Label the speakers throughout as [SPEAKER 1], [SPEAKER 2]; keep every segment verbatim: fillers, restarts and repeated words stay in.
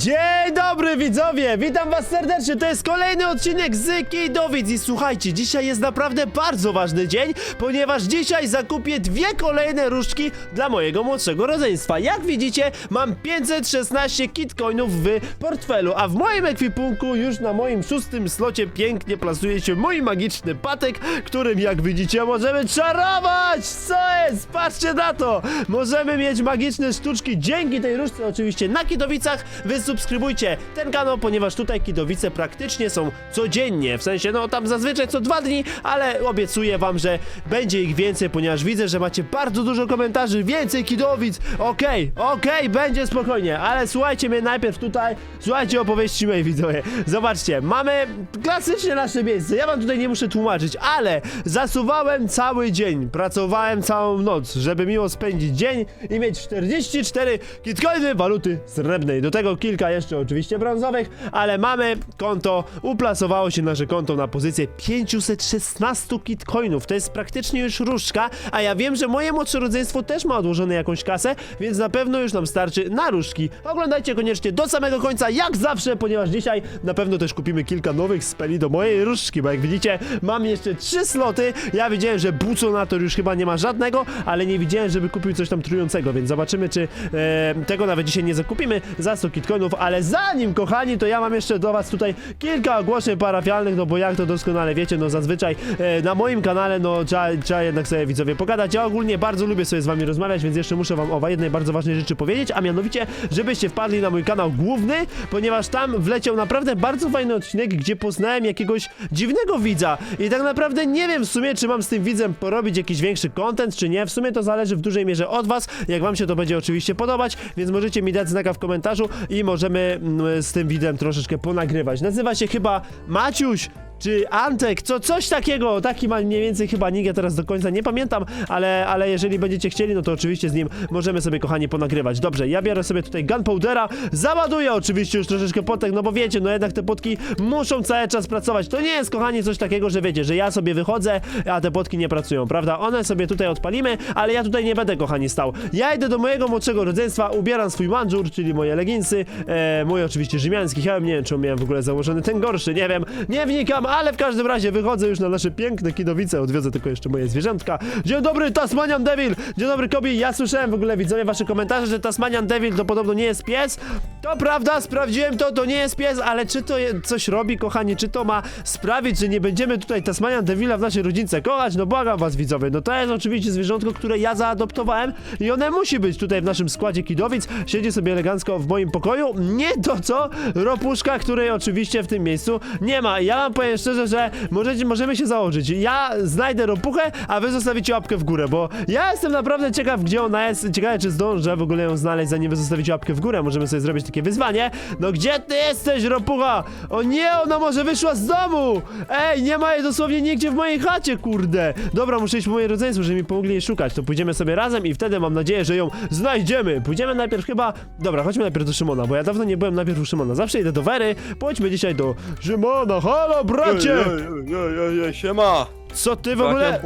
[SPEAKER 1] Dzień dobry widzowie, witam was serdecznie, to jest kolejny odcinek z Kidowic i słuchajcie, dzisiaj jest naprawdę bardzo ważny dzień, ponieważ dzisiaj zakupię dwie kolejne różdżki dla mojego młodszego rodzeństwa. Jak widzicie, mam pięćset szesnaście kitcoinów w portfelu, a w moim ekwipunku już na moim szóstym slocie pięknie plasuje się mój magiczny patek, którym jak widzicie możemy czarować! Co jest? Patrzcie na to! Możemy mieć magiczne sztuczki dzięki tej różdżce oczywiście na Kidowicach. Wy subskrybujcie ten kanał, ponieważ tutaj Kidowice praktycznie są codziennie, w sensie no tam zazwyczaj co dwa dni, ale obiecuję wam, że będzie ich więcej, ponieważ widzę, że macie bardzo dużo komentarzy, więcej Kidowic, okej, okay, okej, okay, będzie spokojnie, ale słuchajcie mnie najpierw tutaj, słuchajcie opowieści mojej widzowie, zobaczcie, mamy klasycznie nasze miejsce, ja wam tutaj nie muszę tłumaczyć, ale zasuwałem cały dzień, pracowałem całą noc, żeby miło spędzić dzień i mieć czterdzieści cztery kitcoiny waluty srebrnej, do tego kilka jeszcze oczywiście brązowych, ale mamy konto, uplasowało się nasze konto na pozycję pięćset szesnaście kitcoinów, to jest praktycznie już różdżka, a ja wiem, że moje młodsze rodzeństwo też ma odłożone jakąś kasę, więc na pewno już nam starczy na różdżki. Oglądajcie koniecznie do samego końca, jak zawsze, ponieważ dzisiaj na pewno też kupimy kilka nowych speli do mojej różdżki, bo jak widzicie, mam jeszcze trzy sloty, ja widziałem, że Buconator już chyba nie ma żadnego, ale nie widziałem, żeby kupił coś tam trującego, więc zobaczymy, czy e, tego nawet dzisiaj nie zakupimy za sto kitcoinów, ale zanim, kochani, to ja mam jeszcze do was tutaj kilka ogłoszeń parafialnych, no bo jak to doskonale wiecie, no zazwyczaj e, na moim kanale, no trzeba, trzeba jednak sobie widzowie pogadać. Ja ogólnie bardzo lubię sobie z wami rozmawiać, więc jeszcze muszę wam o jednej bardzo ważnej rzeczy powiedzieć, a mianowicie, żebyście wpadli na mój kanał główny, ponieważ tam wleciał naprawdę bardzo fajny odcinek, gdzie poznałem jakiegoś dziwnego widza i tak naprawdę nie wiem w sumie, czy mam z tym widzem porobić jakiś większy content, czy nie, w sumie to zależy w dużej mierze od was, jak wam się to będzie oczywiście podobać, więc możecie mi dać znaka w komentarzu i możemy mm, z tym widzem troszeczkę ponagrywać. Nazywa się chyba Maciuś czy Antek, co, coś takiego, taki ma mniej więcej chyba nick, ja teraz do końca nie pamiętam, ale, ale jeżeli będziecie chcieli, no to oczywiście z nim możemy sobie, kochani, ponagrywać. Dobrze, ja biorę sobie tutaj gunpowdera, załaduję oczywiście już troszeczkę potek, no bo wiecie, no jednak te potki muszą cały czas pracować. To nie jest, kochani, coś takiego, że wiecie, że ja sobie wychodzę, a te potki nie pracują, prawda? One sobie tutaj odpalimy, ale ja tutaj nie będę, kochani, stał. Ja idę do mojego młodszego rodzeństwa, ubieram swój mandżur, czyli moje leginsy, e, mój oczywiście rzymiański hełm, nie wiem, czy miałem w ogóle założony ten gorszy, nie wiem, nie wnikam, ale w każdym razie wychodzę już na nasze piękne Kidowice, odwiozę tylko jeszcze moje zwierzątka. Dzień dobry, Tasmanian Devil! Dzień dobry, Kobi, ja słyszałem w ogóle, widzowie, wasze komentarze, że Tasmanian Devil to podobno nie jest pies. To prawda, sprawdziłem to, to nie jest pies, ale czy to je, coś robi, kochani, czy to ma sprawić, że nie będziemy tutaj Tasmanian Devila w naszej rodzince kochać? No błagam was, widzowie, no to jest oczywiście zwierzątko, które ja zaadoptowałem i one musi być tutaj w naszym składzie Kidowic, siedzi sobie elegancko w moim pokoju, nie to co Ropuszka, której oczywiście w tym miejscu nie ma. Ja wam powiem szczerze, że możecie, możemy się założyć. Ja znajdę Ropuchę, a wy zostawicie łapkę w górę, bo ja jestem naprawdę ciekaw, gdzie ona jest. Ciekawe, czy zdążę w ogóle ją znaleźć, zanim wy zostawicie łapkę w górę. Możemy sobie zrobić takie wyzwanie. No gdzie ty jesteś, Ropucha? O nie, ona może wyszła z domu! Ej, nie ma jej dosłownie nigdzie w mojej chacie, kurde. Dobra, muszę iść po moje rodzeństwo, żeby mi pomogli jej szukać. To pójdziemy sobie razem i wtedy mam nadzieję, że ją znajdziemy. Pójdziemy najpierw chyba... Dobra, chodźmy najpierw do Szymona, bo ja dawno nie byłem najpierw u Szymona. Zawsze idę do Wery. Pójdźmy dzisiaj do Szymona. Halo, bracie!
[SPEAKER 2] Ej, ej, ej, ej, siema!
[SPEAKER 1] Co ty w ogóle...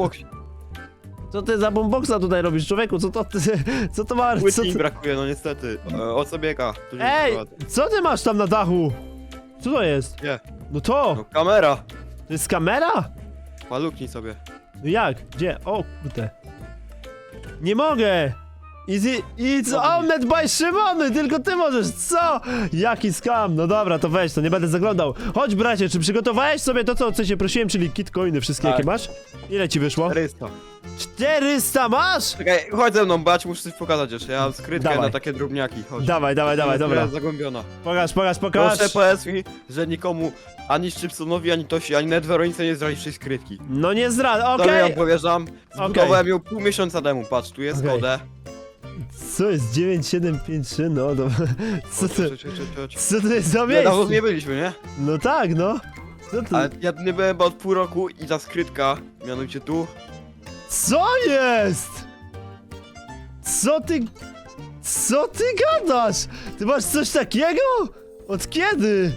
[SPEAKER 1] Co ty za boomboxa tutaj robisz, człowieku? Co to ty... Co to ma... Co
[SPEAKER 2] Płytki mi
[SPEAKER 1] ty...
[SPEAKER 2] brakuje, no niestety. E, o co biega? Tu się
[SPEAKER 1] Ej!
[SPEAKER 2] prowadzę.
[SPEAKER 1] Co ty masz tam na dachu? Co to jest?
[SPEAKER 2] Nie,
[SPEAKER 1] No to!
[SPEAKER 2] no kamera!
[SPEAKER 1] To jest kamera?
[SPEAKER 2] Maluknij sobie.
[SPEAKER 1] No jak? Gdzie? O, kurde. Nie mogę! Easy, it's owned by Szymony, tylko ty możesz, co? Jaki skam, no dobra, to weź, to nie będę zaglądał. Chodź, bracie, czy przygotowałeś sobie to, co, o co cię prosiłem, czyli kitcoiny wszystkie,
[SPEAKER 2] Tak.
[SPEAKER 1] jakie masz? Ile ci wyszło?
[SPEAKER 2] czterysta.
[SPEAKER 1] czterysta masz?
[SPEAKER 2] Czekaj, chodź ze mną, bać, muszę coś pokazać jeszcze. Ja mam skrytkę
[SPEAKER 1] Dawaj.
[SPEAKER 2] na takie drobniaki, chodź.
[SPEAKER 1] Dawaj, dawaj, dawaj,
[SPEAKER 2] Która
[SPEAKER 1] dobra.
[SPEAKER 2] jest zagłębiona.
[SPEAKER 1] Pokaż, pokaż, pokaż.
[SPEAKER 2] Proszę powiedz mi, że nikomu, ani Szczypsonowi, ani Tosi, ani nawet Weronice nie zdradzisz tej skrytki.
[SPEAKER 1] No nie zdradzę,
[SPEAKER 2] To
[SPEAKER 1] okej.
[SPEAKER 2] ją powierzam. Zbudowałem ją pół miesiąca temu, patrz, tu jest
[SPEAKER 1] Okej.
[SPEAKER 2] kodę.
[SPEAKER 1] Co jest dziewięć siedem pięć trzy, no dobra. Co to,
[SPEAKER 2] Chodź, chodź, chodź, chodź.
[SPEAKER 1] co to jest za
[SPEAKER 2] Nie, dawno
[SPEAKER 1] miejsce?
[SPEAKER 2] nie byliśmy, nie?
[SPEAKER 1] No tak, no. Co to?
[SPEAKER 2] Ale ja nie byłem chyba od pół roku i ta skrytka, mianowicie tu.
[SPEAKER 1] Co jest? Co ty... Co ty gadasz? Ty masz coś takiego? Od kiedy?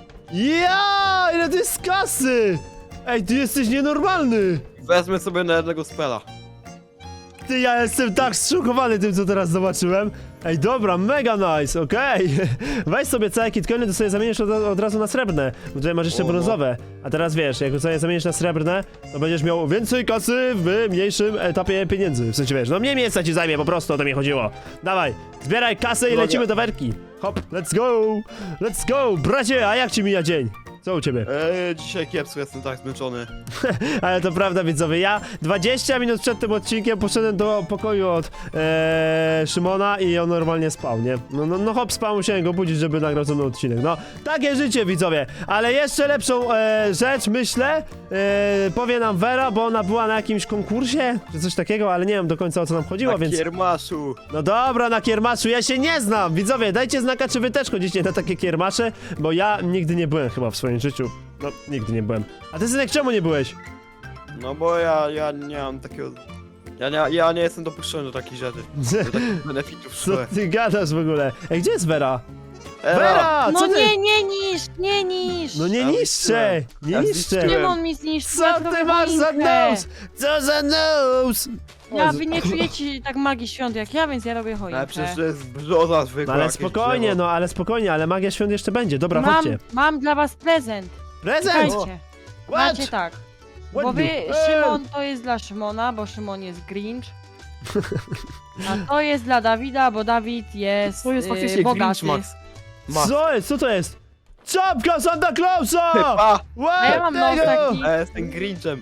[SPEAKER 1] Ja, ile to jest kasy? Ej, ty jesteś nienormalny.
[SPEAKER 2] Wezmę sobie na jednego spela.
[SPEAKER 1] Ty, ja jestem tak zszokowany tym, co teraz zobaczyłem. Ej, dobra, mega nice, okej. Weź sobie całe kitcoiny, to sobie zamienisz od, od razu na srebrne, bo tutaj masz jeszcze
[SPEAKER 2] O, no.
[SPEAKER 1] brązowe. A teraz wiesz, jak sobie zamienisz na srebrne, to będziesz miał więcej kasy w mniejszym etapie pieniędzy. W sensie wiesz, no mniej miejsca ci zajmie, po prostu o to mi chodziło. Dawaj, zbieraj kasę i
[SPEAKER 2] Droga.
[SPEAKER 1] lecimy do werki. Hop, let's go, let's go. Bracie, a jak ci mija dzień? Co u ciebie?
[SPEAKER 2] Eee, dzisiaj kiepsko, jestem tak zmęczony.
[SPEAKER 1] Ale to prawda, widzowie, ja dwadzieścia minut przed tym odcinkiem poszedłem do pokoju od ee, Szymona i on normalnie spał, nie? No, no, no hop, spał, musiałem go budzić, żeby nagrał ze mną odcinek. No, takie życie, widzowie. Ale jeszcze lepszą e, rzecz, myślę, e, powie nam Vera, bo ona była na jakimś konkursie, czy coś takiego, ale nie wiem do końca o co nam chodziło,
[SPEAKER 2] Na
[SPEAKER 1] więc...
[SPEAKER 2] kiermaszu.
[SPEAKER 1] No dobra, na kiermaszu, ja się nie znam. Widzowie, dajcie znaka, czy wy też chodzicie na takie kiermasze, bo ja nigdy nie byłem chyba w swoim życiu. No, nigdy nie byłem. A ty, synek, czemu nie byłeś?
[SPEAKER 2] No bo ja, ja nie mam takiego... Ja nie, ja nie jestem dopuszczony do takich rzeczy. Do takich benefitów w
[SPEAKER 1] Co
[SPEAKER 2] szkole.
[SPEAKER 1] ty gadasz w ogóle? Ej, gdzie jest Vera?
[SPEAKER 2] Ela,
[SPEAKER 1] Vera,
[SPEAKER 3] No
[SPEAKER 1] co ty?
[SPEAKER 3] nie, nie niszcz, nie niszcz!
[SPEAKER 1] No nie
[SPEAKER 2] Ja
[SPEAKER 1] niszczę, nie
[SPEAKER 2] Ja
[SPEAKER 1] niszczę.
[SPEAKER 2] zniszczyłem.
[SPEAKER 3] Szymon mi zniszczył,
[SPEAKER 1] Co
[SPEAKER 3] ja
[SPEAKER 1] ty
[SPEAKER 3] zrobię
[SPEAKER 1] masz za
[SPEAKER 3] choinkę.
[SPEAKER 1] nos? Co za nos?
[SPEAKER 3] Ja, wy nie czujecie tak magii świąt jak ja, więc ja robię choinkę.
[SPEAKER 2] ale przecież to jest brzoza
[SPEAKER 1] No
[SPEAKER 2] zwykła.
[SPEAKER 1] ale
[SPEAKER 2] jakieś
[SPEAKER 1] spokojnie,
[SPEAKER 2] drzewo.
[SPEAKER 1] no ale spokojnie, ale magia świąt jeszcze będzie. Dobra,
[SPEAKER 3] mam,
[SPEAKER 1] chodźcie.
[SPEAKER 3] mam dla was prezent.
[SPEAKER 1] Prezent!
[SPEAKER 3] Słuchajcie,
[SPEAKER 1] What?
[SPEAKER 3] macie tak.
[SPEAKER 1] What
[SPEAKER 3] Bo wy,
[SPEAKER 1] the- Ej!
[SPEAKER 3] Szymon to jest dla Szymona, bo Szymon jest Grinch. A to jest dla Dawida, bo Dawid jest
[SPEAKER 2] To jest
[SPEAKER 3] yy,
[SPEAKER 2] faktycznie
[SPEAKER 3] bogaty.
[SPEAKER 2] Grinch Max. Max.
[SPEAKER 1] Co jest? Co to jest? Czapka Santa Clausa!
[SPEAKER 2] Chyba.
[SPEAKER 1] What
[SPEAKER 3] A ja mam nos
[SPEAKER 1] tego?
[SPEAKER 3] taki.
[SPEAKER 2] Ja jestem Grinchem.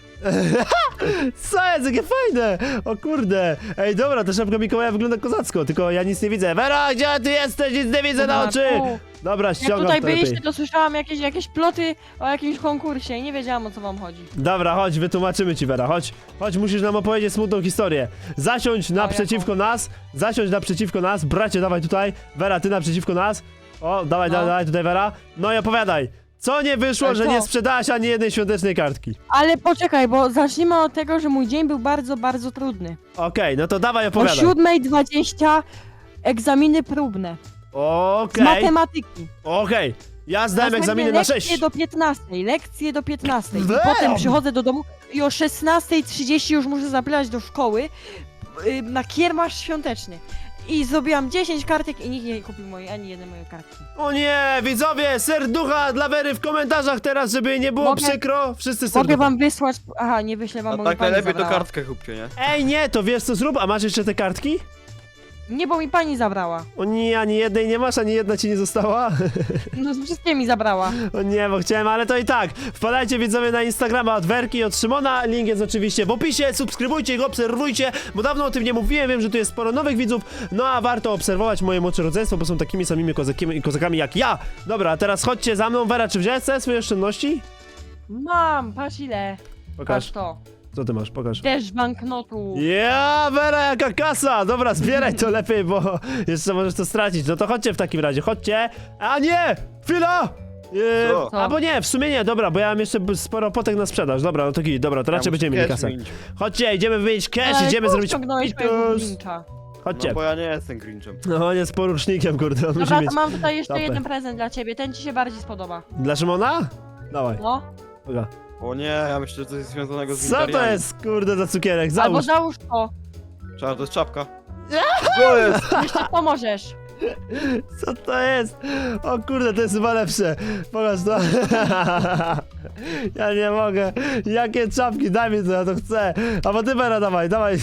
[SPEAKER 1] Co jest? Jakie fajne! O kurde! Ej, dobra, ta szapka Mikołaja wygląda kozacko, tylko ja nic nie widzę. Vera, gdzie ty jesteś? Nic nie widzę na oczy!
[SPEAKER 3] Tu.
[SPEAKER 1] Dobra,
[SPEAKER 3] Jak
[SPEAKER 1] ściągam
[SPEAKER 3] tutaj
[SPEAKER 1] to lepiej.
[SPEAKER 3] byliście, to słyszałam jakieś, jakieś ploty o jakimś konkursie i nie wiedziałam o co wam chodzi.
[SPEAKER 1] Dobra, chodź, wytłumaczymy ci, Vera, chodź. Chodź, musisz nam opowiedzieć smutną historię. Zasiądź naprzeciwko nas, zasiądź naprzeciwko nas, bracie, dawaj tutaj. Vera, ty naprzeciwko nas. O, dawaj,
[SPEAKER 3] No.
[SPEAKER 1] dawaj, dawaj tutaj, Vera. No i opowiadaj. Co nie wyszło,
[SPEAKER 3] Ale
[SPEAKER 1] że
[SPEAKER 3] co?
[SPEAKER 1] nie sprzedałaś ani jednej świątecznej kartki?
[SPEAKER 3] Ale poczekaj, bo zacznijmy od tego, że mój dzień był bardzo, bardzo trudny.
[SPEAKER 1] Okej, no to dawaj,
[SPEAKER 3] O
[SPEAKER 1] opowiadaj.
[SPEAKER 3] siódma dwadzieścia egzaminy próbne z
[SPEAKER 1] Okej,
[SPEAKER 3] matematyki.
[SPEAKER 1] okej. Ja zdałem
[SPEAKER 3] Następnie
[SPEAKER 1] egzaminy na
[SPEAKER 3] lekcje
[SPEAKER 1] sześć.
[SPEAKER 3] do piętnastej, lekcje do piętnastej. I
[SPEAKER 1] Damn!
[SPEAKER 3] potem przychodzę do domu i o szesnastej trzydzieści już muszę zapylać do szkoły y, na kiermasz świąteczny. I zrobiłam dziesięć kartek i nikt nie kupił mojej, ani jednej mojej kartki.
[SPEAKER 1] O nie, widzowie, serducha dla Wery w komentarzach teraz, żeby jej nie było
[SPEAKER 3] Mogę-
[SPEAKER 1] przykro. Wszyscy
[SPEAKER 3] Mogę
[SPEAKER 1] serducha.
[SPEAKER 3] wam wysłać... Aha, nie wyślę wam,
[SPEAKER 2] A
[SPEAKER 3] bo
[SPEAKER 2] tak
[SPEAKER 3] mi pani
[SPEAKER 2] najlepiej to
[SPEAKER 3] zabrała.
[SPEAKER 2] kartkę kupcie, nie?
[SPEAKER 1] Ej, nie, to wiesz co zrób, a masz jeszcze te kartki?
[SPEAKER 3] Nie, bo mi pani zabrała.
[SPEAKER 1] O nie, ani jednej nie masz, ani jedna ci nie została?
[SPEAKER 3] No wszystkie mi zabrała.
[SPEAKER 1] O nie, bo chciałem, ale to i tak. Wpadajcie widzowie na Instagrama od Werki i od Szymona. Link jest oczywiście w opisie. Subskrybujcie go, obserwujcie, bo dawno o tym nie mówiłem. Wiem, że tu jest sporo nowych widzów. No a warto obserwować moje młodsze rodzeństwo, bo są takimi samymi kozakami, kozakami jak ja. Dobra, a teraz chodźcie za mną. Wera, czy wziąłeś całe swoje oszczędności?
[SPEAKER 3] Mam, patrz ile.
[SPEAKER 1] Pokaż.
[SPEAKER 3] Patrz to.
[SPEAKER 1] Co ty masz? Pokaż.
[SPEAKER 3] Też banknotu.
[SPEAKER 1] Ja, Wera, jaka kasa! Dobra, zbieraj to lepiej, bo jeszcze możesz to stracić. No to chodźcie w takim razie, chodźcie. A nie! Chwila! Eee,
[SPEAKER 2] Co?
[SPEAKER 3] Co?
[SPEAKER 1] albo nie, w sumie nie, dobra, bo ja mam jeszcze b- sporo potek na sprzedaż. Dobra, no to git, dobra, to raczej
[SPEAKER 2] Ja
[SPEAKER 1] będziemy
[SPEAKER 2] muszę
[SPEAKER 1] mieli
[SPEAKER 2] cash
[SPEAKER 1] kasę.
[SPEAKER 2] zmienić.
[SPEAKER 1] Chodźcie, idziemy wymienić cash,
[SPEAKER 3] Ale
[SPEAKER 1] idziemy
[SPEAKER 3] tu
[SPEAKER 1] zrobić
[SPEAKER 3] ściągnąłeś mojego
[SPEAKER 1] pitus.
[SPEAKER 3] Grincha.
[SPEAKER 1] Chodźcie.
[SPEAKER 2] No bo ja nie jestem Grinchem.
[SPEAKER 1] No, on jest porucznikiem, kurde, on musi
[SPEAKER 3] Dobra,
[SPEAKER 1] mieć...
[SPEAKER 3] to mam tutaj jeszcze
[SPEAKER 1] tapę.
[SPEAKER 3] jeden prezent dla ciebie. Ten ci się bardziej spodoba.
[SPEAKER 1] Dla Szymona? Dawaj,
[SPEAKER 3] No.
[SPEAKER 1] dobra.
[SPEAKER 2] O nie, ja myślę, że to jest związanego z
[SPEAKER 1] Co to
[SPEAKER 2] Wintariami.
[SPEAKER 1] jest, kurde, za cukierek?
[SPEAKER 3] Albo
[SPEAKER 1] Załóż.
[SPEAKER 3] załóż to.
[SPEAKER 2] Czarno, to jest czapka. Co jest?
[SPEAKER 3] Jeszcze pomożesz.
[SPEAKER 1] Co to jest? O kurde, to jest chyba lepsze. Pokaż to. Ja nie mogę. Jakie czapki, daj mi to, ja to chcę. A bo ty, Vera, dawaj, dawaj.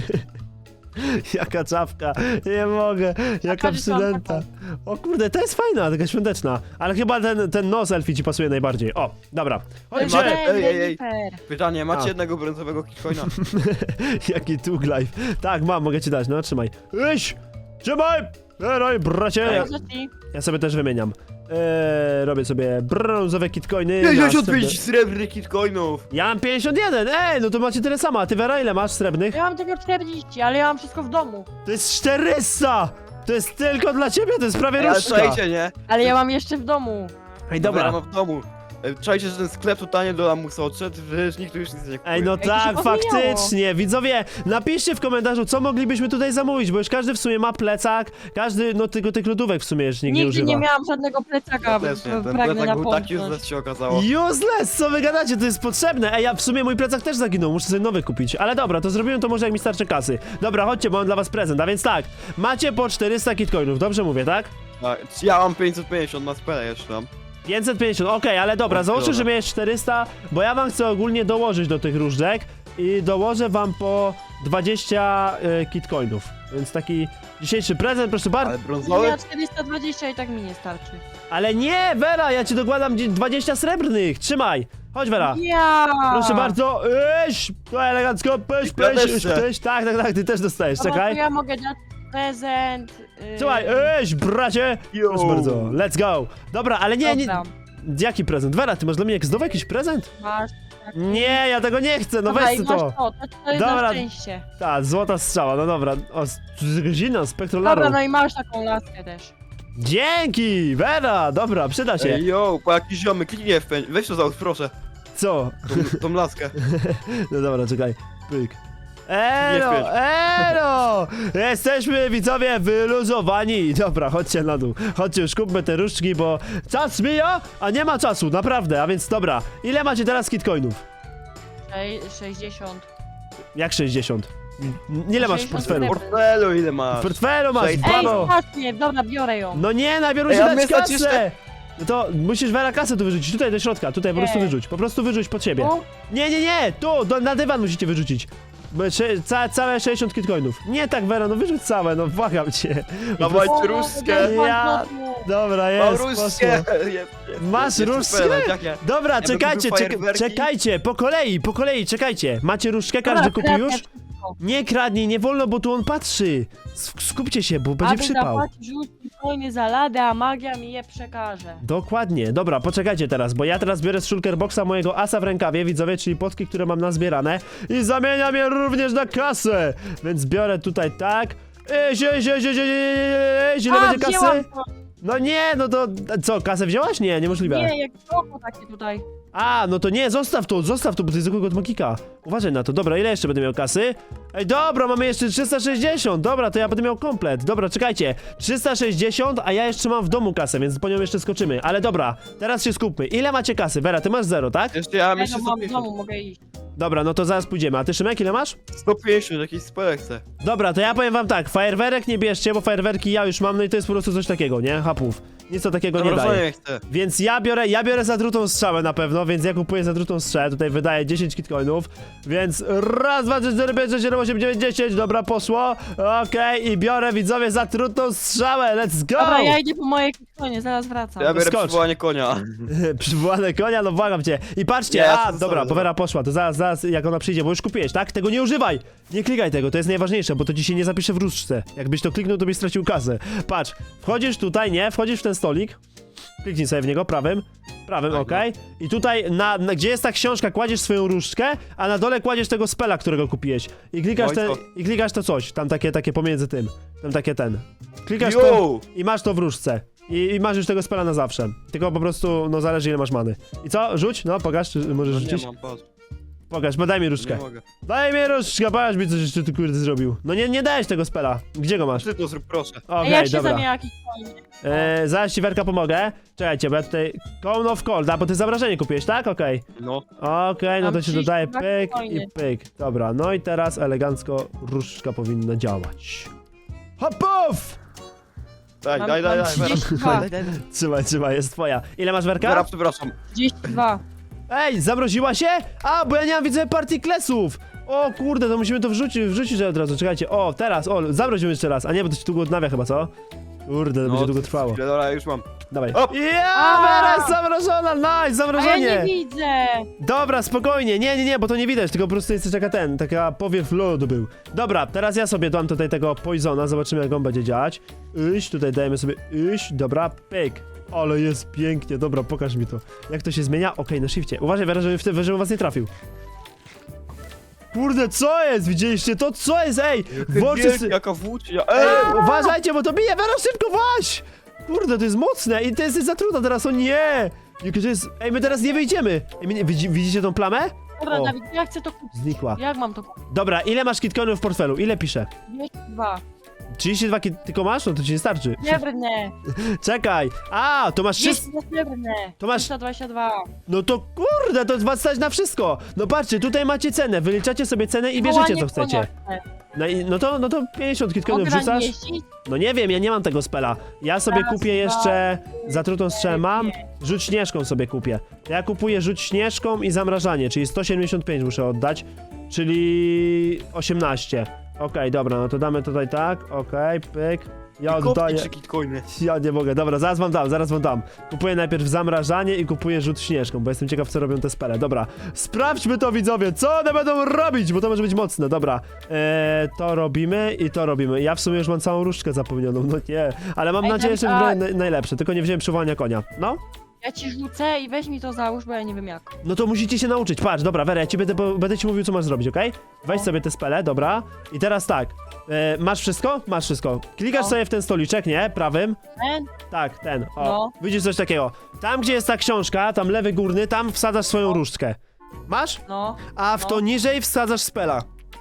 [SPEAKER 1] Jaka czapka, nie mogę, jaka
[SPEAKER 3] patrz, co mam
[SPEAKER 1] przydęta. O kurde, to jest fajna, taka świąteczna. Ale chyba ten, ten nos elfi ci pasuje najbardziej. O, dobra.
[SPEAKER 3] To jest
[SPEAKER 1] Chodźcie.
[SPEAKER 2] Macie- ej, ej, ej.
[SPEAKER 3] Jennifer.
[SPEAKER 2] Pytanie, macie
[SPEAKER 1] A.
[SPEAKER 2] jednego brązowego kitcoina?
[SPEAKER 1] Jaki tug life. Tak, mam, mogę ci dać, no trzymaj. Iś! Trzymaj! Eroj, bracie! Ja,
[SPEAKER 3] Proszę ci.
[SPEAKER 1] ja sobie też wymieniam. Eee, robię sobie brązowe kitcoiny.
[SPEAKER 2] pięćdziesiąt
[SPEAKER 1] następne-
[SPEAKER 2] pięć srebrnych kitcoinów!
[SPEAKER 1] Ja mam pięćdziesiąt jeden, ej, no to macie tyle samo. A ty, Vera, ile masz srebrnych?
[SPEAKER 3] Ja mam tylko czterdzieści, ale ja mam wszystko w domu.
[SPEAKER 1] To jest czterysta! To jest tylko dla ciebie, to jest prawie
[SPEAKER 2] Ale
[SPEAKER 1] różdżka.
[SPEAKER 2] słuchajcie, nie?
[SPEAKER 3] Ale ja mam jeszcze w domu.
[SPEAKER 1] Ej,
[SPEAKER 2] Dobra.
[SPEAKER 1] dobra.
[SPEAKER 2] mam w domu. E, Czajcie, że ten sklep totalnie do lamusa odszedł, że nikt tu już nic nie kupuje.
[SPEAKER 1] Ej, no
[SPEAKER 3] to się
[SPEAKER 1] tak,
[SPEAKER 3] pozmieniało.
[SPEAKER 1] faktycznie. Widzowie, napiszcie w komentarzu, co moglibyśmy tutaj zamówić, bo już każdy w sumie ma plecak, każdy, no tylko tych lodówek w sumie już nikt nie
[SPEAKER 3] Nigdy
[SPEAKER 1] używa.
[SPEAKER 3] nie miałam żadnego plecaka,
[SPEAKER 2] Też nie,
[SPEAKER 3] b-
[SPEAKER 2] ten
[SPEAKER 3] pragnę
[SPEAKER 2] plecak był taki
[SPEAKER 3] napomknąć.
[SPEAKER 2] useless się okazało.
[SPEAKER 1] Useless, co wy gadacie, to jest potrzebne. Ej, ja w sumie mój plecak też zaginął, muszę sobie nowy kupić. Ale dobra, to zrobiłem to może jak mi starczy kasy. Dobra, chodźcie, bo mam dla was prezent, a więc tak, macie po czterysta kitcoinów, dobrze mówię, tak?
[SPEAKER 2] Tak, ja mam pięćset pięćdziesiąt na spele jeszcze mam.
[SPEAKER 1] pięćset pięćdziesiąt, okej, ale dobra,
[SPEAKER 2] O,
[SPEAKER 1] załóżmy,
[SPEAKER 2] dobra.
[SPEAKER 1] że miałeś czterysta, bo ja wam chcę ogólnie dołożyć do tych różdżek i dołożę wam po dwadzieścia y, kitcoinów. Więc taki dzisiejszy prezent, proszę bardzo.
[SPEAKER 2] Ale brązowy?
[SPEAKER 3] Ja czterysta dwadzieścia i tak mi nie starczy.
[SPEAKER 1] Ale nie, Vera, ja ci dokładam dzie- dwadzieścia srebrnych, trzymaj. Chodź, Vera.
[SPEAKER 3] Ja!
[SPEAKER 1] Proszę bardzo, iść, to elegancko, pyś,
[SPEAKER 2] Ja
[SPEAKER 1] pyś,
[SPEAKER 2] też
[SPEAKER 1] pyś,
[SPEAKER 2] chcę.
[SPEAKER 1] pyś, tak, tak, tak, ty też dostajesz,
[SPEAKER 3] Dobra,
[SPEAKER 1] czekaj.
[SPEAKER 3] to ja mogę dać prezent. Yy...
[SPEAKER 1] Słuchaj, iść, bracie.
[SPEAKER 2] Yo.
[SPEAKER 1] Proszę bardzo, let's go. Dobra, ale nie, nie,
[SPEAKER 3] Dobra,
[SPEAKER 1] jaki prezent? Vera, ty masz dla mnie jak znowu jakiś prezent?
[SPEAKER 3] masz. taki-
[SPEAKER 1] Nie, ja tego nie chcę, no
[SPEAKER 3] Dobra,
[SPEAKER 1] weź
[SPEAKER 3] i
[SPEAKER 1] ty
[SPEAKER 3] masz
[SPEAKER 1] to.
[SPEAKER 3] to, to, to jest
[SPEAKER 1] Dobra.
[SPEAKER 3] na szczęście.
[SPEAKER 1] Ta, złota strzała, no dobra. O, s- zina,
[SPEAKER 3] Dobra,
[SPEAKER 1] spektrolaru.
[SPEAKER 3] no i masz taką laskę też.
[SPEAKER 1] Dzięki, Vera, dobra, przyda się.
[SPEAKER 2] Ej, yo, po jakiś ziomy, kliknij F pięć, weź to załóż, proszę,
[SPEAKER 1] Co?
[SPEAKER 2] tą, tą laskę.
[SPEAKER 1] No dobra, czekaj. Pyk. Elo,
[SPEAKER 2] Nie
[SPEAKER 1] elo! Jesteśmy, widzowie, wyluzowani. Dobra, chodźcie na dół. Chodźcie, już kupmy te różdżki, bo czas mija, a nie ma czasu, naprawdę. A więc dobra, ile macie teraz kitcoinów?
[SPEAKER 3] Sze- sześćdziesiąt.
[SPEAKER 1] Jak sześćdziesiąt? N- Ile masz w
[SPEAKER 3] sześćdziesiąt
[SPEAKER 1] portfelu?
[SPEAKER 2] W portfelu ile
[SPEAKER 1] W
[SPEAKER 2] masz?
[SPEAKER 1] portfelu masz,
[SPEAKER 2] Ej,
[SPEAKER 3] Ej,
[SPEAKER 1] babo!
[SPEAKER 3] właśnie, dobra, biorę ją.
[SPEAKER 1] No nie, najpierw
[SPEAKER 2] Ej,
[SPEAKER 1] musisz
[SPEAKER 2] a
[SPEAKER 1] dać
[SPEAKER 2] my stać
[SPEAKER 1] kasę!
[SPEAKER 2] jeszcze-
[SPEAKER 1] No to musisz Vera kasę tu wyrzucić, tutaj do środka, tutaj po
[SPEAKER 3] Nie.
[SPEAKER 1] prostu wyrzuć, po prostu wyrzuć pod siebie.
[SPEAKER 3] Tu?
[SPEAKER 1] Nie, nie, nie, tu, do, na dywan musicie wyrzucić. Bo sze- Ca, całe sześćdziesiąt kitcoinów. Nie tak, Vera, no wyrzuć całe, no błagam cię.
[SPEAKER 2] Dawaj
[SPEAKER 3] O,
[SPEAKER 2] różdżkę.
[SPEAKER 3] bez
[SPEAKER 1] Ja-
[SPEAKER 3] banknotu.
[SPEAKER 1] Dobra,
[SPEAKER 2] Mam
[SPEAKER 1] jest,
[SPEAKER 2] różdżkę.
[SPEAKER 1] poszło.
[SPEAKER 2] Jest, jest,
[SPEAKER 1] Masz
[SPEAKER 2] jest
[SPEAKER 1] różdżkę?
[SPEAKER 2] prezent, jak nie?
[SPEAKER 1] Dobra,
[SPEAKER 2] bym
[SPEAKER 1] czekajcie,
[SPEAKER 2] kupił
[SPEAKER 1] czek
[SPEAKER 2] fajerwerki.
[SPEAKER 1] czekajcie, po kolei, po kolei, czekajcie. Macie różdżkę, każdy
[SPEAKER 3] Dobra,
[SPEAKER 1] kupił
[SPEAKER 3] kradnę
[SPEAKER 1] już?
[SPEAKER 3] wszystko.
[SPEAKER 1] Nie kradnij, nie wolno, bo tu on patrzy. Sk- Skupcie się, bo będzie
[SPEAKER 3] Aby
[SPEAKER 1] przypał.
[SPEAKER 3] zapłacić rzuci coiny za ladę, a magia mi je przekaże.
[SPEAKER 1] Dokładnie, dobra, poczekajcie teraz, bo ja teraz biorę z shulker boxa mojego asa w rękawie, widzowie, czyli potki, które mam nazbierane i zamieniam je również na kasę, więc biorę tutaj tak, Ej, zie, zie, zie, zie, zie, zie, ile
[SPEAKER 3] A,
[SPEAKER 1] będzie kasy?
[SPEAKER 3] wzięłam to.
[SPEAKER 1] No nie, no to, co, kasę wzięłaś? Nie, niemożliwe.
[SPEAKER 3] Nie, jak oko takie tutaj.
[SPEAKER 1] A, no to nie, zostaw to, zostaw to, bo to jest zwykłego od magika. Uważaj na to, dobra, ile jeszcze będę miał kasy? Ej, dobra, mamy jeszcze trzysta sześćdziesiąt, dobra, to ja będę miał komplet. Dobra, czekajcie, trzysta sześćdziesiąt, a ja jeszcze mam w domu kasę, więc po nią jeszcze skoczymy. Ale dobra, teraz się skupmy. Ile macie kasy? Vera, ty masz zero, tak?
[SPEAKER 2] Jeszcze ja mam
[SPEAKER 3] Ja
[SPEAKER 2] jeszcze
[SPEAKER 3] to mam w
[SPEAKER 2] sto pięćdziesiąt.
[SPEAKER 3] domu, mogę iść.
[SPEAKER 1] Dobra, no to zaraz pójdziemy. A ty, Szymek, ile masz?
[SPEAKER 2] sto pięćdziesiąt, jakiś spelek chcę.
[SPEAKER 1] Dobra, to ja powiem wam tak, fajerwerek nie bierzcie, bo fajerwerki ja już mam, no i to jest po prostu coś takiego, nie? Hapów. Nic to takiego nie daje.
[SPEAKER 2] Zamrożenie chcę.
[SPEAKER 1] Więc ja biorę, ja biorę zatrutą strzałę na pewno, więc ja kupuję zatrutą strzałę, tutaj wydaję dziesięć kitcoinów, więc raz, dwa, trzy, cztery, pięć, sześć, siedem, osiem, dziewięć, dziesięć, dobra, poszło, okej, i biorę, widzowie, zatrutą strzałę, let's go!
[SPEAKER 3] Dobra, ja idę po moje konie, zaraz wracam.
[SPEAKER 2] Ja biorę
[SPEAKER 1] skocz.
[SPEAKER 2] przywołanie konia.
[SPEAKER 1] Przywołane konia, no błagam cię. I patrzcie,
[SPEAKER 2] Nie, ja
[SPEAKER 1] a,
[SPEAKER 2] to
[SPEAKER 1] dobra,
[SPEAKER 2] zostawię,
[SPEAKER 1] Powera poszła, to zaraz, zaraz, jak ona przyjdzie, bo już kupiłeś, tak? Tego nie używaj! Nie klikaj tego, to jest najważniejsze, bo to ci się nie zapisze w różdżce. Jakbyś to kliknął, to byś stracił kasę. Patrz, wchodzisz tutaj, nie? Wchodzisz w ten stolik, kliknij sobie w niego, prawym, prawym,
[SPEAKER 2] Tak,
[SPEAKER 1] okej. I tutaj, na, na, gdzie jest ta książka, kładziesz swoją różdżkę, a na dole kładziesz tego spela, którego kupiłeś. I klikasz, ten,
[SPEAKER 2] Wojsko.
[SPEAKER 1] i klikasz to coś, tam takie, takie pomiędzy tym, tam takie ten. Klikasz to
[SPEAKER 2] Yo!
[SPEAKER 1] i masz to w różdżce. I, I masz już tego spela na zawsze. Tylko po prostu, no zależy ile masz many. I co? Rzuć? No, pokaż, czy możesz
[SPEAKER 2] No
[SPEAKER 1] rzucić?
[SPEAKER 2] nie mam, patrz.
[SPEAKER 1] Pokaż, bo daj mi
[SPEAKER 2] Nie
[SPEAKER 1] różdżkę.
[SPEAKER 2] mogę.
[SPEAKER 1] Daj mi różdżkę, pokaż mi coś jeszcze ty kurde zrobił. No nie, nie dałeś tego spela. Gdzie go masz?
[SPEAKER 2] Ty to zrób, proszę.
[SPEAKER 3] A
[SPEAKER 1] Okej,
[SPEAKER 3] jak się
[SPEAKER 1] dobra.
[SPEAKER 3] zamienia jakiś coin?
[SPEAKER 1] E, zaraz ci Werka pomogę. Czekajcie, bo ja tutaj... Cone of Cold, a bo ty zamrażenie kupiłeś, tak? Okej.
[SPEAKER 2] No.
[SPEAKER 1] Okej, no
[SPEAKER 3] Mam
[SPEAKER 1] to się dodaje
[SPEAKER 3] trzydzieści dwa
[SPEAKER 1] pyk i
[SPEAKER 3] coiny.
[SPEAKER 1] pyk. Dobra, no i teraz elegancko różdżka powinna działać. Hopów!
[SPEAKER 2] Daj,
[SPEAKER 3] Mam-
[SPEAKER 2] daj, daj,
[SPEAKER 3] mam
[SPEAKER 2] daj, Vera.
[SPEAKER 3] trzydzieści dwa.
[SPEAKER 2] Daj, daj, daj.
[SPEAKER 1] Trzymaj, trzymaj, jest twoja. Ile masz Werka?
[SPEAKER 2] Vera, przepraszam.
[SPEAKER 3] trzydzieści dwa.
[SPEAKER 1] Ej, zamroziła się? A, bo ja nie mam, widzę, partyklesów! O kurde, to musimy to wrzucić, wrzucić od razu, czekajcie. O, teraz, o, zamrozimy jeszcze raz. A nie, bo to się długo odnawia chyba, co? Kurde, to będzie długo trwało.
[SPEAKER 2] chwilę, Dobra, już mam.
[SPEAKER 1] Dawaj.
[SPEAKER 2] Hop!
[SPEAKER 1] Ja,
[SPEAKER 3] A!
[SPEAKER 1] Vera jest zamrożona, nice,
[SPEAKER 3] A ja
[SPEAKER 1] zamrożenie!
[SPEAKER 3] nie widzę.
[SPEAKER 1] Dobra, spokojnie, nie, nie, nie, bo to nie widać, tylko po prostu jest taka ten, taka powiew lodu był. Dobra, teraz ja sobie dam tutaj tego poisona, zobaczymy jak on będzie działać. Iść, tutaj dajemy sobie iść, dobra, pyk. Ale jest pięknie, dobra, pokaż mi to. Jak to się zmienia? Okej, na shifcie. Uważaj, Vera, żeby w tym żebym was nie trafił. Kurde, co jest? Widzieliście to? Co jest? Ej! Włączy
[SPEAKER 2] Wielki,
[SPEAKER 1] sy...
[SPEAKER 2] jaka włócznia.
[SPEAKER 1] Ej,
[SPEAKER 2] Ej!
[SPEAKER 1] uważajcie, bo to bije! Vera, szybko właź! Kurde, to jest mocne i to jest za trudno teraz, o nie! Jakie to jest... Ej, my teraz nie wyjdziemy! Ej, my nie... Widzi, widzicie tą plamę?
[SPEAKER 3] Dobra,
[SPEAKER 1] O.
[SPEAKER 3] Dawid, ja chcę to kupić.
[SPEAKER 1] Znikła.
[SPEAKER 3] Jak mam to kupić?
[SPEAKER 1] Dobra, ile masz kitcoinów w portfelu? Ile piszę?
[SPEAKER 3] dwieście dwa.
[SPEAKER 1] trzydzieści dwa kit... tylko masz? No to ci nie starczy.
[SPEAKER 3] Srebrne.
[SPEAKER 1] Czekaj! A, to masz wszystko...
[SPEAKER 3] dwieście srebrne.
[SPEAKER 1] To masz-
[SPEAKER 3] trzysta dwadzieścia dwa.
[SPEAKER 1] No to kurde, to was stać na wszystko! No patrzcie, tutaj macie cenę, wyliczacie sobie cenę i bierzecie co chcecie. No, i, no to, no to pięćdziesiąt kitcoinów
[SPEAKER 3] Mogę na
[SPEAKER 1] wrzucasz?
[SPEAKER 3] nim jeździć?
[SPEAKER 1] No nie wiem, ja nie mam tego spela. Ja sobie
[SPEAKER 3] Raz,
[SPEAKER 1] kupię jeszcze zatrutą strzałę mam,
[SPEAKER 3] pięć.
[SPEAKER 1] rzut śnieżką sobie kupię. Ja kupuję rzut śnieżką i zamrażanie, czyli sto siedemdziesiąt pięć muszę oddać, czyli osiemnaście. Okej, dobra, no to damy tutaj tak, okej, pyk. Ja
[SPEAKER 2] Kupię
[SPEAKER 1] oddaję.
[SPEAKER 2] trzy kitcoiny.
[SPEAKER 1] Ja nie mogę, dobra, zaraz wam dam, zaraz wam dam. Kupuję najpierw zamrażanie i kupuję rzut śnieżką, bo jestem ciekaw, co robią te spele. Dobra, sprawdźmy to, widzowie, co one będą robić, bo to może być mocne, dobra. Eee, to robimy i to robimy. Ja w sumie już mam całą różdżkę zapomnianą, no nie, ale mam
[SPEAKER 3] Ej,
[SPEAKER 1] nadzieję, że
[SPEAKER 3] Dawid,
[SPEAKER 1] wybrałem
[SPEAKER 3] a-
[SPEAKER 1] naj- najlepsze, tylko nie wziąłem przywołania konia. No?
[SPEAKER 3] Ja ci rzucę i weź mi to załóż, bo ja nie wiem jak.
[SPEAKER 1] No to musicie się nauczyć, patrz, dobra, Wera, ja ci będę, po- będę ci mówił, co masz zrobić, okej? Weź
[SPEAKER 3] No.
[SPEAKER 1] sobie te spele, dobra. I teraz tak, e, masz wszystko? Masz wszystko. Klikasz
[SPEAKER 3] No.
[SPEAKER 1] sobie w ten stoliczek, nie? Prawym.
[SPEAKER 3] Ten?
[SPEAKER 1] Tak, ten. O,
[SPEAKER 3] No.
[SPEAKER 1] widzisz coś takiego. Tam, gdzie jest ta książka, tam lewy górny, tam wsadzasz swoją różdżkę. Masz?
[SPEAKER 3] No,
[SPEAKER 1] A w
[SPEAKER 3] No.
[SPEAKER 1] to niżej wsadzasz spela.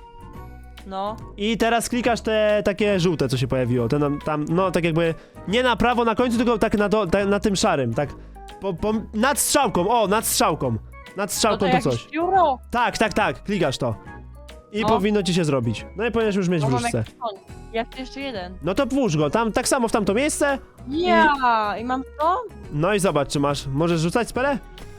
[SPEAKER 3] no.
[SPEAKER 1] I teraz klikasz te takie żółte, co się pojawiło. Te nam, tam, no tak jakby nie na prawo na końcu, tylko tak na, do, ta, na tym szarym, tak. Po, po, nad strzałką, o, nad strzałką. Nad
[SPEAKER 3] No
[SPEAKER 1] strzałką
[SPEAKER 3] to
[SPEAKER 1] to
[SPEAKER 3] jakieś
[SPEAKER 1] coś.
[SPEAKER 3] pióro.
[SPEAKER 1] Tak, tak, tak, klikasz to. I
[SPEAKER 3] No.
[SPEAKER 1] powinno ci się zrobić. No i powinieneś już mieć
[SPEAKER 3] No
[SPEAKER 1] w
[SPEAKER 3] mam
[SPEAKER 1] różce.
[SPEAKER 3] jakiś koń. Ja chcę jeszcze jeden.
[SPEAKER 1] No to włóż go, tam tak samo w tamto miejsce.
[SPEAKER 3] Ja! I mam to?
[SPEAKER 1] No i zobacz, czy masz. Możesz rzucać spele?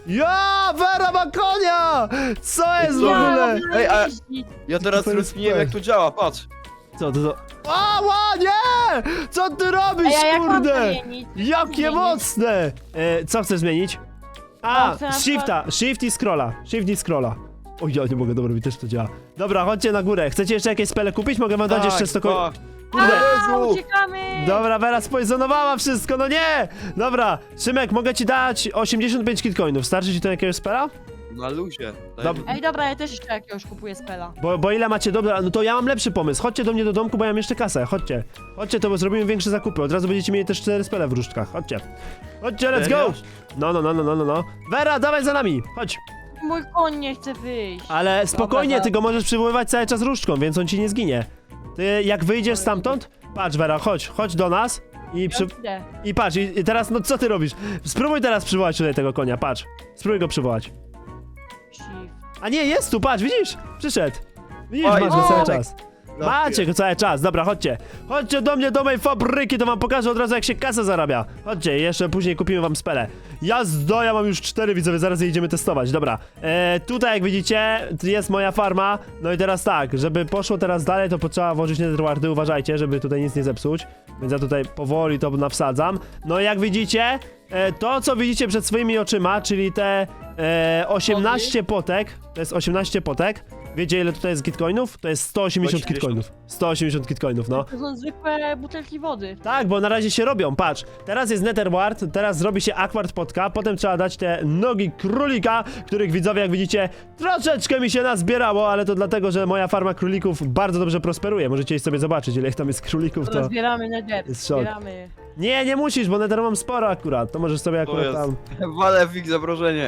[SPEAKER 1] Ja, Wera ma konia! Co jest w
[SPEAKER 2] co?
[SPEAKER 1] ogóle?
[SPEAKER 3] Ja
[SPEAKER 2] Ej, a-
[SPEAKER 3] jeździć.
[SPEAKER 2] Ja teraz
[SPEAKER 1] To jest
[SPEAKER 2] rozkminiłem jak to działa, patrz.
[SPEAKER 1] Co to to? Ała, nie! Co ty robisz,
[SPEAKER 3] A ja jak mam
[SPEAKER 1] kurde?
[SPEAKER 3] zamienić?
[SPEAKER 1] Jakie
[SPEAKER 3] Zmienić?
[SPEAKER 1] mocne! E, co chcesz zmienić? A,
[SPEAKER 3] No, chcę na
[SPEAKER 1] shifta, shift i scrolla, shift i scrolla. O, ja nie mogę, dobra, mi też to działa. Dobra, chodźcie na górę. Chcecie jeszcze jakieś spele kupić? Mogę wam dać
[SPEAKER 2] Tak,
[SPEAKER 1] jeszcze sto ko-
[SPEAKER 2] tak.
[SPEAKER 1] Kurde.
[SPEAKER 3] A,
[SPEAKER 2] Jezu!
[SPEAKER 3] uciekamy!
[SPEAKER 1] Dobra, Wera spoizonowała wszystko, no nie! Dobra, Szymek, mogę ci dać osiemdziesiąt pięć kitcoinów. Starczy ci to jakiegoś spela?
[SPEAKER 2] Na luzie. Daj
[SPEAKER 1] Dob-
[SPEAKER 2] mi.
[SPEAKER 3] Ej, dobra, ja też jeszcze jakiegoś kupuję spela.
[SPEAKER 1] Bo, bo ile macie, dobra, no to ja mam lepszy pomysł. Chodźcie do mnie do domku, bo ja mam jeszcze kasę. Chodźcie. Chodźcie, to bo zrobimy większe zakupy. Od razu będziecie mieli też cztery spele w różdżkach. Chodźcie. Chodźcie, let's go!
[SPEAKER 2] Serio?
[SPEAKER 1] No, no, no, no, no, no, no. Wera, dawaj za nami. Chodź.
[SPEAKER 3] Mój koń nie chce wyjść.
[SPEAKER 1] Ale spokojnie,
[SPEAKER 3] Dobra,
[SPEAKER 1] ty go możesz przywoływać cały czas różdżką, więc on ci nie zginie. Ty, jak wyjdziesz stamtąd, patrz, Wera, chodź, chodź do nas i przy...
[SPEAKER 3] Ja idę.
[SPEAKER 1] I patrz, i, i teraz, no co ty robisz? Spróbuj teraz przywołać tutaj tego konia, patrz. Spróbuj go przywołać.
[SPEAKER 3] Shift.
[SPEAKER 1] A nie, jest tu, patrz, widzisz? Przyszedł. Widzisz,
[SPEAKER 2] Oj,
[SPEAKER 1] masz go
[SPEAKER 3] o!
[SPEAKER 1] cały czas.
[SPEAKER 2] No,
[SPEAKER 1] Macie go cały czas, dobra, chodźcie. Chodźcie do mnie, do mojej fabryki, to wam pokażę od razu, jak się kasa zarabia. Chodźcie, jeszcze później kupimy wam spele. Jazdo, ja mam już cztery widzowie, zaraz je idziemy testować, dobra. E, tutaj, jak widzicie, tu jest moja farma. No i teraz tak, żeby poszło teraz dalej, to potrzeba włożyć netherwardy, uważajcie, żeby tutaj nic nie zepsuć. Więc ja tutaj powoli to nawsadzam. No i jak widzicie, e, to co widzicie przed swoimi oczyma, czyli te e, osiemnaście potek, to jest osiemnaście potek. Wiecie, ile tutaj jest kitcoinów? To jest sto osiemdziesiąt
[SPEAKER 2] sto osiemdziesiąt.
[SPEAKER 1] kitcoinów. sto osiemdziesiąt kitcoinów, no.
[SPEAKER 3] To są zwykłe butelki wody.
[SPEAKER 1] Tak, bo na razie się robią, patrz. Teraz jest netherward, teraz zrobi się aquard potka, potem trzeba dać te nogi królika, których widzowie, jak widzicie, troszeczkę mi się nazbierało, ale to dlatego, że moja farma królików bardzo dobrze prosperuje. Możecie sobie zobaczyć, ile ich tam jest królików,
[SPEAKER 3] To
[SPEAKER 1] to...
[SPEAKER 3] zbieramy nether.
[SPEAKER 1] jest szok.
[SPEAKER 3] Zbieramy.
[SPEAKER 1] Nie, nie musisz, bo nether mam sporo akurat, to możesz sobie
[SPEAKER 2] To
[SPEAKER 1] akurat
[SPEAKER 2] jest.
[SPEAKER 1] tam...
[SPEAKER 2] Walę w ich zamrożenie.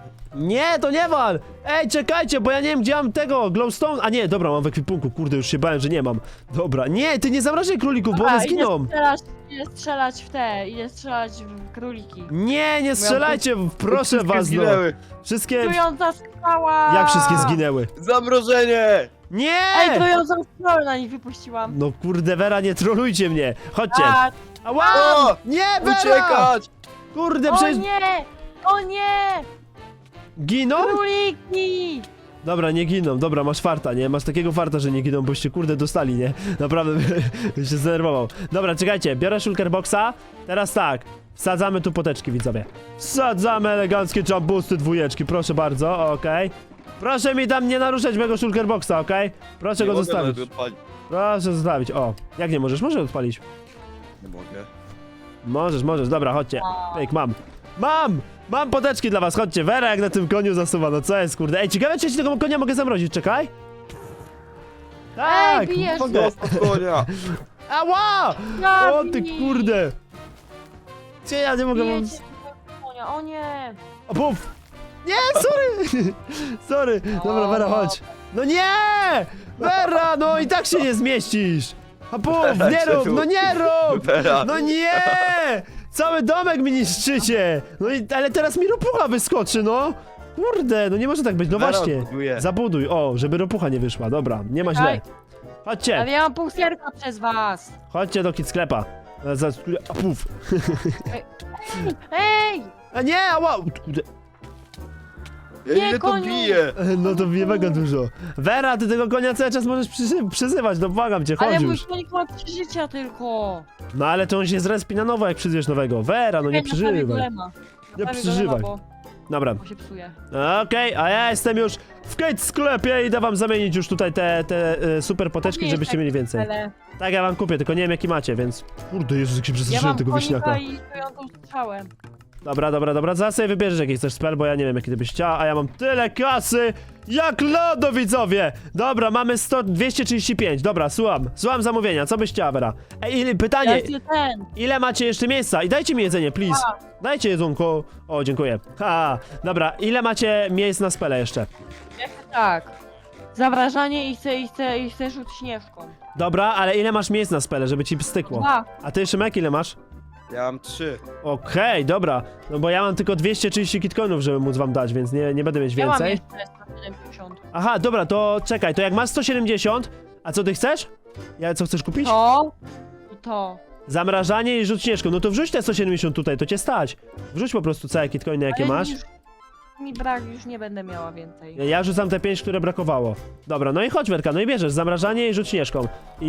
[SPEAKER 1] Nie, to nie wal! Ej, czekajcie, bo ja nie wiem, gdzie mam tego, glowstone... A nie, dobra, mam w ekwipunku, kurde, już się bałem, że nie mam. Dobra, nie, ty nie zamrażaj królików, bo
[SPEAKER 3] Dobra,
[SPEAKER 1] one zginą.
[SPEAKER 3] Idę strzelać, idę strzelać w te, idę strzelać w króliki.
[SPEAKER 1] Nie, nie strzelajcie, proszę
[SPEAKER 2] Wszystkie
[SPEAKER 1] was, no.
[SPEAKER 2] zginęły.
[SPEAKER 1] Wszystkie...
[SPEAKER 3] Trująca skała!
[SPEAKER 1] Jak wszystkie zginęły?
[SPEAKER 2] Zamrożenie!
[SPEAKER 1] Nie!
[SPEAKER 3] Ej, trującą skałę na nich wypuściłam.
[SPEAKER 1] No kurde, Wera, nie trolujcie mnie. Chodźcie.
[SPEAKER 3] Tak.
[SPEAKER 1] Ała!
[SPEAKER 2] O!
[SPEAKER 1] Nie, Wera!
[SPEAKER 2] Uciekać!
[SPEAKER 1] Kurde,
[SPEAKER 3] O
[SPEAKER 1] przecież...
[SPEAKER 3] nie! O nie!
[SPEAKER 1] Giną?
[SPEAKER 3] Króliki!
[SPEAKER 1] Dobra, nie giną. Dobra, masz farta, nie? Masz takiego farta, że nie giną, boście kurde dostali, nie? Naprawdę bym się zdenerwował. Dobra, czekajcie, biorę shulkerboxa. Teraz tak, wsadzamy tu poteczki, widzowie. Wsadzamy eleganckie jumpboosty dwójeczki, proszę bardzo, okej. Proszę mi tam nie naruszać mojego shulkerboxa, okej? Proszę
[SPEAKER 2] Nie
[SPEAKER 1] go
[SPEAKER 2] mogę
[SPEAKER 1] zostawić.
[SPEAKER 2] nawet odpalić.
[SPEAKER 1] Proszę zostawić, o. Jak nie możesz? Możesz odpalić.
[SPEAKER 2] Nie mogę.
[SPEAKER 1] Możesz, możesz, dobra, chodźcie. Pyk, mam. Mam! Mam poteczki dla was, chodźcie. Wera jak na tym koniu zasuwa, no co jest, kurde. Ej, ciekawe, czy ja ci tego konia mogę zamrozić, czekaj. Tak,
[SPEAKER 3] bijesz
[SPEAKER 1] mogę.
[SPEAKER 2] Zostaw konia!
[SPEAKER 1] Ała! O ty
[SPEAKER 3] Zabij!
[SPEAKER 1] kurde. Gdzie ja nie mogę... Mam...
[SPEAKER 3] Bijecie tego konia. nie, o nie!
[SPEAKER 1] O, puf! Nie, sorry! Sorry, dobra, Vera, chodź. No nie! Vera, no i tak się nie zmieścisz! A puf, nie rób, no nie rób!
[SPEAKER 2] Vera.
[SPEAKER 1] No nie! Cały domek mi niszczycie! No i, ale teraz mi ropucha wyskoczy, no! Kurde, no nie może tak być, no
[SPEAKER 2] Vera
[SPEAKER 1] właśnie.
[SPEAKER 2] odbuduje.
[SPEAKER 1] Zabuduj, o, żeby ropucha nie wyszła, dobra, nie ma źle.
[SPEAKER 3] Ej.
[SPEAKER 1] Chodźcie,
[SPEAKER 3] Ale ja mam pół serca przez was!
[SPEAKER 1] chodźcie do kit sklepa. E, Za, a puf.
[SPEAKER 3] Ej!
[SPEAKER 1] A nie, ała! Kurde.
[SPEAKER 2] Ja
[SPEAKER 3] Nie,
[SPEAKER 2] ile to
[SPEAKER 3] koniu.
[SPEAKER 2] bije?
[SPEAKER 1] E, No to wie mega dużo. Vera, ty tego konia cały czas możesz przyzy przyzywać, no błagam cię,
[SPEAKER 3] Ale
[SPEAKER 1] chodź
[SPEAKER 3] mój
[SPEAKER 1] już.
[SPEAKER 3] konik ma trzy życia tylko!
[SPEAKER 1] No ale to on się zrespi na nowo, jak przyzwiesz nowego. Vera, no nie
[SPEAKER 3] Ej, naprawię
[SPEAKER 1] przeżywaj.
[SPEAKER 3] golema.
[SPEAKER 1] Nie
[SPEAKER 3] Naprawię
[SPEAKER 1] przeżywaj.
[SPEAKER 3] golema,
[SPEAKER 1] Dobra.
[SPEAKER 3] Bo, bo się psuje.
[SPEAKER 1] Okej, a ja jestem już w Kate sklepie i idę wam zamienić już tutaj te, te e, super poteczki,
[SPEAKER 3] Nie
[SPEAKER 1] żebyście
[SPEAKER 3] jest
[SPEAKER 1] mieli więcej.
[SPEAKER 3] Ale
[SPEAKER 1] Tak, ja wam kupię, tylko nie wiem jaki macie, więc... Kurde, Jezus, jak się
[SPEAKER 3] ja
[SPEAKER 1] przestraszyłem
[SPEAKER 3] mam
[SPEAKER 1] tego
[SPEAKER 3] konika
[SPEAKER 1] wieśniaka.
[SPEAKER 3] i stojącą strzałę.
[SPEAKER 1] Dobra, dobra, dobra, zaraz sobie wybierzesz jaki chcesz spell, bo ja nie wiem jaki ty byś chciała, a ja mam tyle kasy jak lodo, widzowie! Dobra, mamy sto, dwieście trzydzieści pięć, dobra, słucham, słucham zamówienia, co byś chciała, Vera? Ej, ile-
[SPEAKER 3] Ja
[SPEAKER 1] pytanie,
[SPEAKER 3] chcę ten!
[SPEAKER 1] ile macie jeszcze miejsca? I dajcie mi jedzenie, please. Dajcie jedzonko. O, dziękuję. Ha, dobra, ile macie miejsc na spele jeszcze?
[SPEAKER 3] Ja chcę tak. Zawrażanie i chcę, i chcę, i chcę rzut śnieżką.
[SPEAKER 1] Dobra, ale ile masz miejsc na spele, żeby ci stykło?
[SPEAKER 3] Dwa.
[SPEAKER 1] A ty, Szymek, ile masz?
[SPEAKER 2] Ja mam trzy.
[SPEAKER 1] Okej, dobra. No bo ja mam tylko dwieście trzydzieści kitcoinów, żeby móc wam dać, więc nie, nie będę mieć
[SPEAKER 3] Ja mam
[SPEAKER 1] więcej.
[SPEAKER 3] jeszcze sto siedemdziesiąt.
[SPEAKER 1] Aha, dobra, to czekaj, to jak masz sto siedemdziesiąt, a co ty chcesz? Ja co chcesz kupić?
[SPEAKER 3] To i to.
[SPEAKER 1] Zamrażanie i rzut śnieżką. No to wrzuć te sto siedemdziesiąt tutaj, to cię stać. Wrzuć po prostu całe kitcoiny, jakie
[SPEAKER 3] Ale
[SPEAKER 1] masz.
[SPEAKER 3] Już, mi brak, już nie będę miała więcej.
[SPEAKER 1] Ja- Ja rzucam te pięć, które brakowało. Dobra, no i chodź, Werka, no i bierzesz zamrażanie i rzut śnieżką.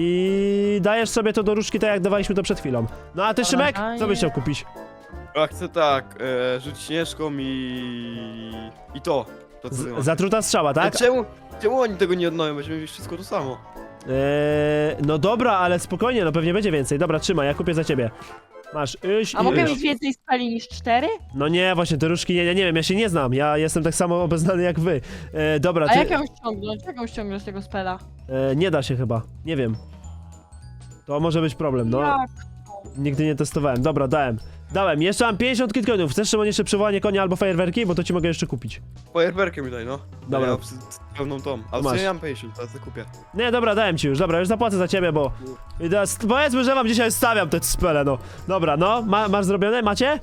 [SPEAKER 1] I dajesz sobie to do różdżki, tak jak dawaliśmy to przed chwilą. No a ty, Szymek, co byś chciał kupić?
[SPEAKER 2] Ja chcę tak, e, rzuć śnieżką i... I to. To co ty
[SPEAKER 1] Z,
[SPEAKER 2] masz.
[SPEAKER 1] zatruta strzała, tak?
[SPEAKER 2] A czemu, czemu oni tego nie odnowią? Będziemy mieć wszystko to samo.
[SPEAKER 1] Eee, no dobra, ale spokojnie, no pewnie będzie więcej. Dobra, trzymaj, ja kupię za ciebie. Masz, iść
[SPEAKER 3] A
[SPEAKER 1] i
[SPEAKER 3] mogę
[SPEAKER 1] iść.
[SPEAKER 3] mieć więcej spali niż cztery?
[SPEAKER 1] No nie, właśnie te różdżki, nie, nie, nie wiem, ja się nie znam. Ja jestem tak samo obeznany jak wy. E, dobra,
[SPEAKER 3] A
[SPEAKER 1] ty...
[SPEAKER 3] jak ją ściągnąć? Jak ją ściągnąć z tego spela?
[SPEAKER 1] E, nie da się chyba, nie wiem. To może być problem, no.
[SPEAKER 3] Jak?
[SPEAKER 1] Nigdy nie testowałem. Dobra, dałem. Dałem. Jeszcze mam pięćdziesiąt kitcoinów. Chcesz, Szymon, jeszcze przywołanie konia albo fajerwerki? Bo to ci mogę jeszcze kupić.
[SPEAKER 2] Fajerwerkę mi daj, no.
[SPEAKER 1] Dobra.
[SPEAKER 2] Ja mam z- z pełną tą. Ale
[SPEAKER 1] Masz.
[SPEAKER 2] co ja mam pięćdziesiąt, teraz to kupię.
[SPEAKER 1] Nie, dobra, dałem ci już. Dobra, już zapłacę za ciebie, bo... I teraz powiedzmy, że wam dzisiaj stawiam te spele, no. Dobra, no. Ma, masz zrobione? Macie?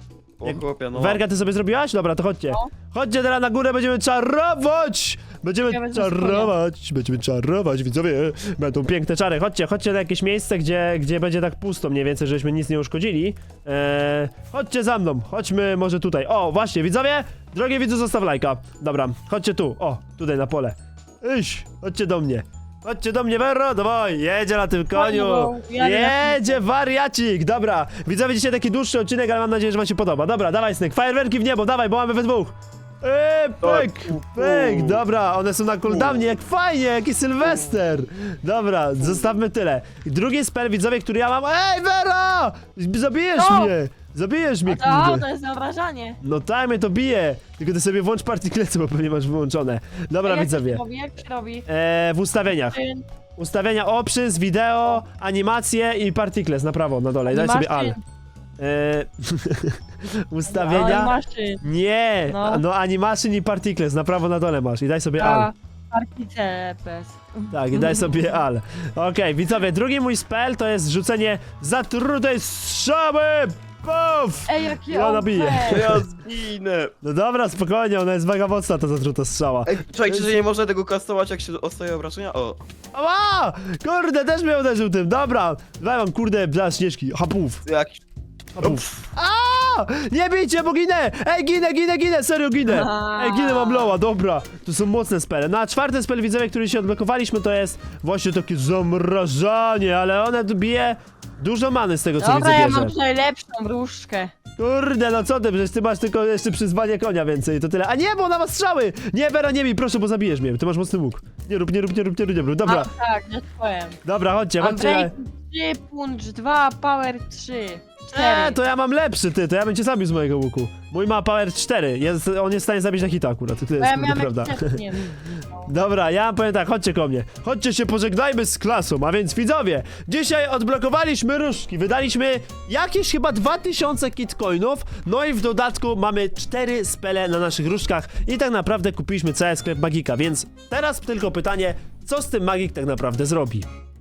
[SPEAKER 2] O
[SPEAKER 1] Jak-
[SPEAKER 2] chłopie, no.
[SPEAKER 1] Werka, ty sobie zrobiłaś? Dobra, to chodźcie.
[SPEAKER 3] No.
[SPEAKER 1] Chodźcie teraz na górę, będziemy czarować! Będziemy
[SPEAKER 3] Ja wezmę
[SPEAKER 1] czarować, będziemy czarować, widzowie. Będą piękne czary. Chodźcie, chodźcie na jakieś miejsce, gdzie, gdzie będzie tak pusto mniej więcej, żebyśmy nic nie uszkodzili. Eee, chodźcie za mną, chodźmy może tutaj. O, właśnie, widzowie! Drogie widzu, zostaw lajka. Dobra, chodźcie tu, o, tutaj na pole. Iść, chodźcie do mnie. Chodźcie do mnie, Vero, dawaj, jedzie na tym koniu.
[SPEAKER 3] Koniu, jadę na
[SPEAKER 1] Jedzie wariacik, dobra. Widzowie, dzisiaj taki dłuższy odcinek, ale mam nadzieję, że wam się podoba. Dobra, dawaj, Snyk, fajerwerki w niebo, dawaj, bo mamy we dwóch. Eee, pyk, pyk, dobra, one są na cooldownie, jak fajnie, jaki Sylwester. Dobra, zostawmy tyle. Drugi spell, widzowie, który ja mam. Ej, Vera! Zabijesz
[SPEAKER 3] No.
[SPEAKER 1] mnie! Zabijesz mnie,
[SPEAKER 3] A to,
[SPEAKER 1] kurde.
[SPEAKER 3] to jest zawrażanie.
[SPEAKER 1] No tak, mnie to bije. Tylko ty sobie włącz partiklecy, bo pewnie masz wyłączone. Dobra,
[SPEAKER 3] A jak
[SPEAKER 1] widzowie.
[SPEAKER 3] się robi? Jak się robi?
[SPEAKER 1] Eee, w ustawieniach.
[SPEAKER 3] Czyn,
[SPEAKER 1] Ustawienia options, wideo, animacje i particles na prawo, na dole. I daj sobie al.
[SPEAKER 3] maszyn.
[SPEAKER 1] Eee,
[SPEAKER 3] No, i
[SPEAKER 1] ustawienia.
[SPEAKER 3] maszyn.
[SPEAKER 1] Nie!
[SPEAKER 3] No.
[SPEAKER 1] No animation i particles na prawo, na dole masz. I daj sobie al.
[SPEAKER 3] A, partice pes.
[SPEAKER 1] Tak, i daj sobie al. Okej, widzowie, drugi mój spell to jest rzucenie zatrutej strzały! Puf!
[SPEAKER 3] Ej, jakie
[SPEAKER 1] Ja
[SPEAKER 3] O P.
[SPEAKER 1] nabiję.
[SPEAKER 2] Ja zginę.
[SPEAKER 1] No dobra, spokojnie, ona jest mega mocna, ta zatruta strzała.
[SPEAKER 2] Ej, czekajcie, że nie można tego kastować, jak się dostaje obrażenia? O.
[SPEAKER 1] Ała! Kurde, też mnie uderzył tym, dobra! Daj mam, kurde, bla, śnieżki, hapów,
[SPEAKER 2] Jakiś...
[SPEAKER 1] hapów. A! Nie bijcie, bo ginę! Ej, ginę, ginę, ginę, serio ginę! Ej, ginę, mam loła, dobra. To są mocne spele. No a czwarty spell, widzowie, który się odblokowaliśmy, to jest właśnie takie zamrażanie, ale one tu bije dużo many z tego, co
[SPEAKER 3] Dobra,
[SPEAKER 1] widzę,
[SPEAKER 3] ja
[SPEAKER 1] bierze.
[SPEAKER 3] mam tutaj lepszą różdżkę.
[SPEAKER 1] Kurde, no co ty, przecież ty masz tylko jeszcze przyzwanie konia więcej, to tyle. A nie, bo ona ma strzały! Nie, Vera, nie bij, proszę, bo zabijesz mnie, ty masz mocny łuk. Nie rób, nie rób, nie rób, nie rób, nie rób. Dobra,
[SPEAKER 3] A, tak, nie powiem.
[SPEAKER 1] dobra, chodźcie, chodźcie.
[SPEAKER 3] Unbreak trzy, punch dwa, power trzy. cztery.
[SPEAKER 1] Eee, to ja mam lepszy, ty, to ja bym cię zabił z mojego łuku. Mój ma power cztery, jest, on jest w stanie zabić na hita akurat, to
[SPEAKER 3] Bo
[SPEAKER 1] jest
[SPEAKER 3] ja
[SPEAKER 1] kurde,
[SPEAKER 3] miałam
[SPEAKER 1] prawda.
[SPEAKER 3] jakiś czas, nie wiem.
[SPEAKER 1] Dobra, ja powiem tak, chodźcie ko mnie. Chodźcie się pożegnajmy z klasą, a więc widzowie, dzisiaj odblokowaliśmy różdżki, wydaliśmy jakieś chyba dwa tysiące kitcoinów, no i w dodatku mamy cztery spele na naszych różdżkach i tak naprawdę kupiliśmy cały sklep Magika, więc teraz tylko pytanie, co z tym Magik tak naprawdę zrobi?